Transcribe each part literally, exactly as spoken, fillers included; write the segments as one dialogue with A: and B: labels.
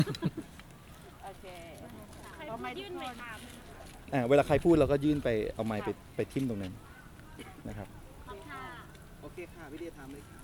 A: โอเค
B: ใครพูดยื่นไปตาม
C: อ่าเวลาใครพูดเราก็ยื่นไปเอาไมค์ไปไปทิ่มตรงนั้นนะครับ
B: ค่ะ
D: โอเคค่ะพี่เดียทำเลยค่ะ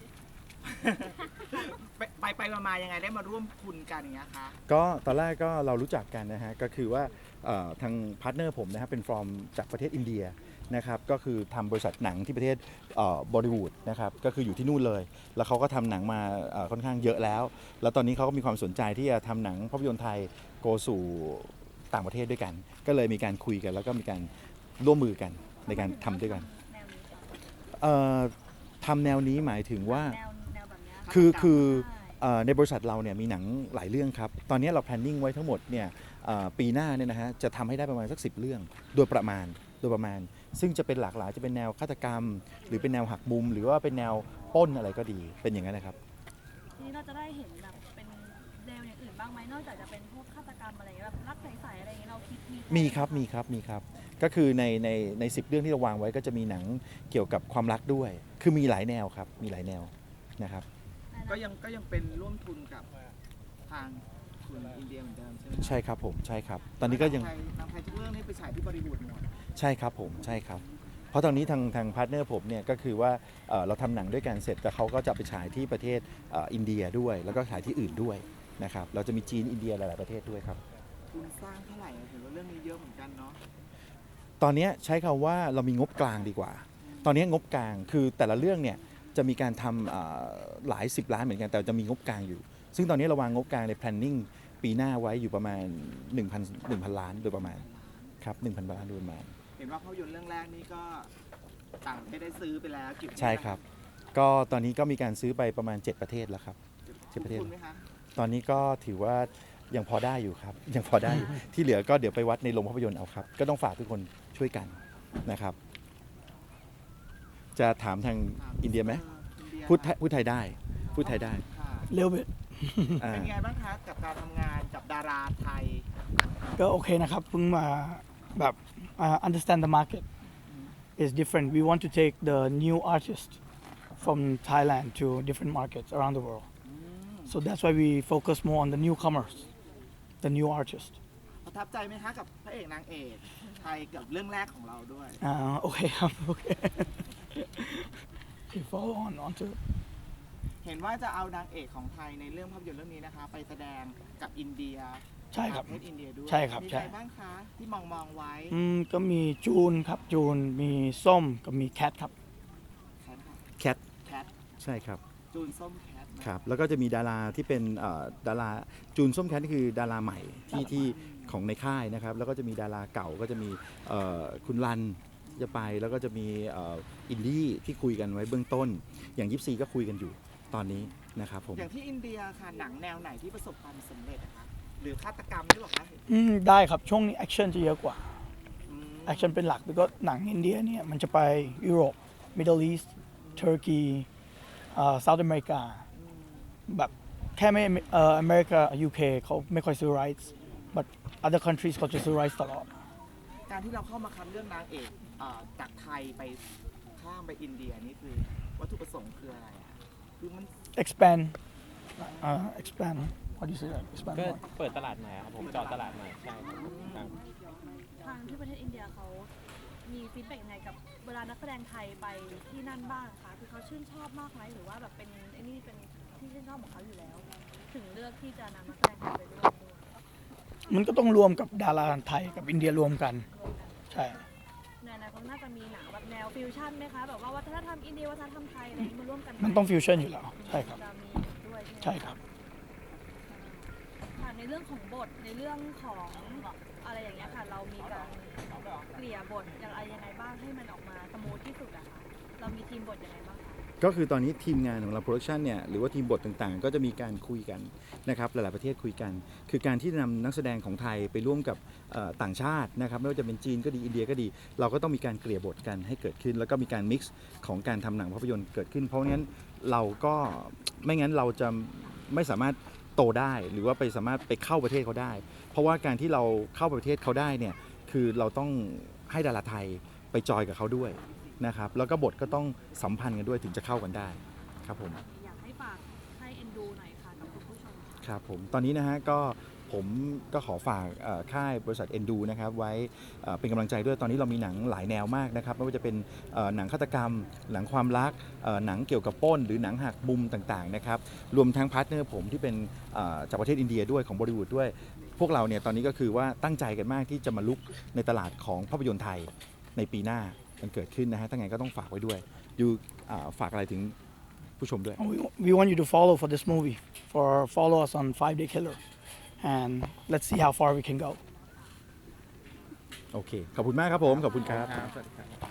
A: ไปไปไปมามายังไงได้มาร่วมทุนกันอย่างเงี้ยคะ
C: ก็ตอนแรกก็เรารู้จักกันนะฮะก็คือว่าเอ่อทางพาร์ทเนอร์ผมนะฮะเป็นฟอร์มจากประเทศอินเดียนะครับก็คือทำบริษัทหนังที่ประเทศบอลิวูดนะครับก็คืออยู่ที่นู่นเลย แล้วเขาก็ทำหนังมาเอ่อค่อนข้างเยอะแล้ว แล้วตอนนี้เขาก็มีความสนใจที่จะทำหนังภาพยนตร์ไทยโกสู่ต่างประเทศด้วยกัน ก็เลยมีการคุยกันแล้วก็มีการร่วมมือกันในการทำด้วยกัน
B: แนวนี้ค่ะ
C: เอ่อทำแนวนี้หมายถึงว่า
B: แนวแนวแบบเนี้ย
C: คือคือ
B: ใช่
C: เอ่อในบริษัทเราเนี่ยมีหนังหลายเรื่องครับ ตอนนี้เรา planning ไว้ทั้งหมดเนี่ยเอ่อปีหน้าเนี่ยนะฮะจะทำให้ได้ประมาณสักสิบเรื่องโดยประมาณโดยประมาณ ซึ่งจะเป็นหลากหลายจะเป็นแนวฆาตกรรม หรือเป็นแนวหักมุม หรือว่าเป็นแนวปล้นอะไรก็ดีเป็นอย่างนั้นนะครับ
B: ทีนี้เราจะได้เห็นแบบเป็นแนวอย่างอื่นบ้างไหมนอกจากจะเป็นพวกฆาตกรรมอะไรอย่างเงี้ยแบบรักใสๆอะไรอย่างเงี้ยเราคิดมี
C: มีครับมีครับมีครับก็คือในในในสิบเรื่องที่เราวางไว้ก็จะมีหนังเกี่ยวกับความรักด้วย คือมีหลายแนวครับมีหลายแนวนะครับ
A: ก็ยังก็ยังเป็นร่วมทุนกับทางทุนอินเดียเหมือนเดิมใช่ไหม
C: ใช่ครับผมใช่ครับ ตอนนี้ก็ยัง
A: ทางไททางไทยทุกเรื่องนี่ไปฉายที่บอลิวูดหมด
C: ใช่ครับผมใช่ครับ เพราะตอนนี้ทางทางพาร์ทเนอร์ผมเนี่ยก็คือว่าเอ่อเราทำหนังด้วยกันเสร็จแต่เขาก็จะไปฉายที่ประเทศเอ่ออินเดียด้วย แล้วก็ฉายที่อื่นด้วยนะครับเราจะมีจีนอินเดียหลาย ๆ ประเทศด้วยครับ
A: ทุนสร้างเท่าไหร่อะเห็นว่าเรื่องนี้เยอะเหมือนกันเนาะ
C: ตอนนี้ใช้คำว่าเรามีงบกลางดีกว่า ตอนนี้งบกลางคือแต่ละเรื่องเนี่ยจะมีการทำเอ่อหลายสิบล้านเหมือนกันแต่จะมีงบกลางอยู่ ซึ่งตอนนี้เราวางงบกลางใน planning ปีหน้าไว้อยู่ประมาณ 1,000 1,000 ล้านโดยประมาณครับ1,000 ล้านโดยประมาณ
A: เห็นว่าภาพยนตร์เรื่องแรกนี่ก็ต่างประเทศได้ซื้อไปแล้วกี่ประเทศ
C: ใช่ครับ ก็ตอนนี้ก็มีการซื้อไปประมาณ เจ็ด ประเทศแล้วครับ เจ็ดประเทศ
A: คุณไหมคะ
C: ตอนนี้ก็ถือว่ายังพอได้อยู่ครับ ยังพอได้อยู่ ที่เหลือก็เดี๋ยวไปวัดในโรงภาพยนตร์เอาครับ ก็ต้องฝากทุกคนช่วยกันนะครับ จะถามทางอินเดียไหม
A: อินเดีย
C: พูดไทยพูดไทยได้ พูดไทยได้
A: ค่ะ
E: little bit
C: อ่า
A: เป็นไงบ้างคะกับการทำงานกับดาราไทย
E: ก็โอเคนะครับเพิ่งมาแบบ uh, understand the market is different we want to take the new artist from Thailand to different markets around the world so that's why we focus more on the newcomers the new artist
A: ประทับใจไหมคะกับพระเอกนางเอกไทยกับเรื่องแรกของเราด้วย
E: อ่าโอเคครับโอเค okay follow on on to
A: เห็นว่าจะเอานางเอกของไทยในเรื่องภาพยนตร์เรื่องนี้นะคะ ไปแสดงกับอินเดีย
E: ใช่ครับ
A: ประเทศอินเดียด้วย
E: ใช่ครับ
A: มี
E: ใช่
A: ใครบ้างคะที่มองมองไว้
E: อืมก็มีจูนครับจูนมีส้มกับมีแคทครับ
A: ใครนะคะ
C: แคท
A: แคท
C: ใช่ครับ
A: จูนส้มแคทนะ
C: ครับ แล้วก็จะมีดาราที่เป็นเอ่อดาราจูนส้มแคทนี่คือดาราใหม่ที่ที่ของในค่ายนะครับ แล้วก็จะมีดาราเก่าก็จะมีเอ่อคุณรันจะไป แล้วก็จะมีเอ่ออินดี้ที่คุยกันไว้เบื้องต้น อย่างยิปซีก็คุยกันอยู่ตอนนี้นะครับผม
A: อย่างที่อินเดียค่ะหนังแนวไหนที่ประสบความสำเร็จอะคะหรือฆาตกรรมด้วยหรอคะ
E: อืมได้ครับช่วงนี้แอคชั่นจะเยอะกว่า
A: อืม
E: แอคชั่นเป็นหลักแล้วก็หนังอินเดียเนี่ยมันจะไปยุโรป Middle East Turkey เอ่อ South America แบบแค่ไม่เอ่ออเมริกา ยู เค เขาไม่ค่อยซื้อ rights but other countries เขาจะซื้อ rights ตลอด
A: การที่เราเข้ามาคัดเรื่องนางเอกเอ่อจากไทยไปข้ามไปอินเดียนี่คือวัตถุประสงค์คืออะไรอะคือมัน
E: expand เอ่อ expand how do you say that expand
F: ก็
E: more
F: เปิดตลาดใหม่ครับผมเจาะตลาดใหม่ใช่ครับครับ
B: ทางที่ประเทศอินเดียเขามีฟีดแบ็กยังไงกับเวลานักแสดงไทยไปที่นั่นบ้างคะคือเขาชื่นชอบมากไหมหรือว่าแบบเป็นไอ้นี่เป็นที่ชื่นชอบของเขาอยู่แล้ว ถึงเลือกที่จะนำนักแสดงไทยไปร่วมด้วย
E: มันก็ต้องรวมกับดาราไทยกับอินเดียรวมกัน
B: ร่วมกัน
E: ใช่
B: ในอนาคตน่าจะมีหนังแบบแนวฟิวชั่นไหมคะแบบว่าวัฒนธรรมอินเดียวัฒนธรรมไทยอะไรอย่างนี้มาร่วมกันไห
E: มันต้องฟิวชั่นอยู่แล้ว ใช่ครับ
B: จะมีด้วยใช่ไหม
E: ใช่ครับ
B: ค่ะในเรื่องของบทในเรื่องของอะไรอย่างเงี้ยค่ะ เรามีการเกลี่ยบทอย่างไรยังไงบ้างให้มันออกมาสมูทที่สุดอะคะเรามีทีมบทยังไงบ้างคะ
C: ก็คือตอนนี้ทีมงานของเราโปรดักชันเนี่ยหรือว่าทีมบทต่างๆ ก็จะมีการคุยกันนะครับหลายๆประเทศคุยกัน คือการที่นำนักแสดงของไทยไปร่วมกับเอ่อต่างชาตินะครับไม่ว่าจะเป็นจีนก็ดีอินเดียก็ดี เราก็ต้องมีการเกลี่ยบทกันให้เกิดขึ้น แล้วก็มีการมิกซ์ของการทำหนังภาพยนตร์เกิดขึ้น เพราะงั้นเราก็ไม่งั้นเราจะไม่สามารถโตได้หรือว่าไปสามารถไปเข้าประเทศเขาได้ เพราะว่าการที่เราเข้าประเทศเขาได้เนี่ยคือเราต้องให้ดาราไทยไปจอยกับเขาด้วยนะครับแล้วก็บทก็ต้องสัมพันธ์กันด้วยถึงจะเข้ากันได้ครับผม
B: อยากให้ฝากให้เอ็นดูหน่อยค่ะกับคุณผู้ชม
C: ครับผมตอนนี้นะฮะก็ผมก็ขอฝากเอ่อค่ายบริษัทเอ็นดูนะครับไว้เอ่อเป็นกำลังใจด้วยตอนนี้เรามีหนังหลายแนวมากนะครับไม่ว่าจะเป็นเอ่อหนังฆาตกรรม หนังความรักเอ่อหนังเกี่ยวกับปล้น หรือหนังหักมุมต่างๆนะครับรวมทั้งพาร์ทเนอร์ผมที่เป็นเอ่อจากประเทศอินเดียด้วยของบอลิวูดด้วย พวกเราเนี่ยตอนนี้ก็คือว่าตั้งใจกันมากที่จะมาลุกในตลาดของภาพยนตร์ไทยในปีหน้ามันเกิดขึ้นนะฮะถ้าไงก็ต้องฝากไว้ด้วยยูอ่าฝากอะไรถึงผู้ชมด้วย
E: We, we want you to follow for this movie, for follow us on Five Day Killer, and let's see how far we can go.
C: โอเค ขอบคุณมากครับผม ขอบคุณครับ
F: ครับสวัสดีครับ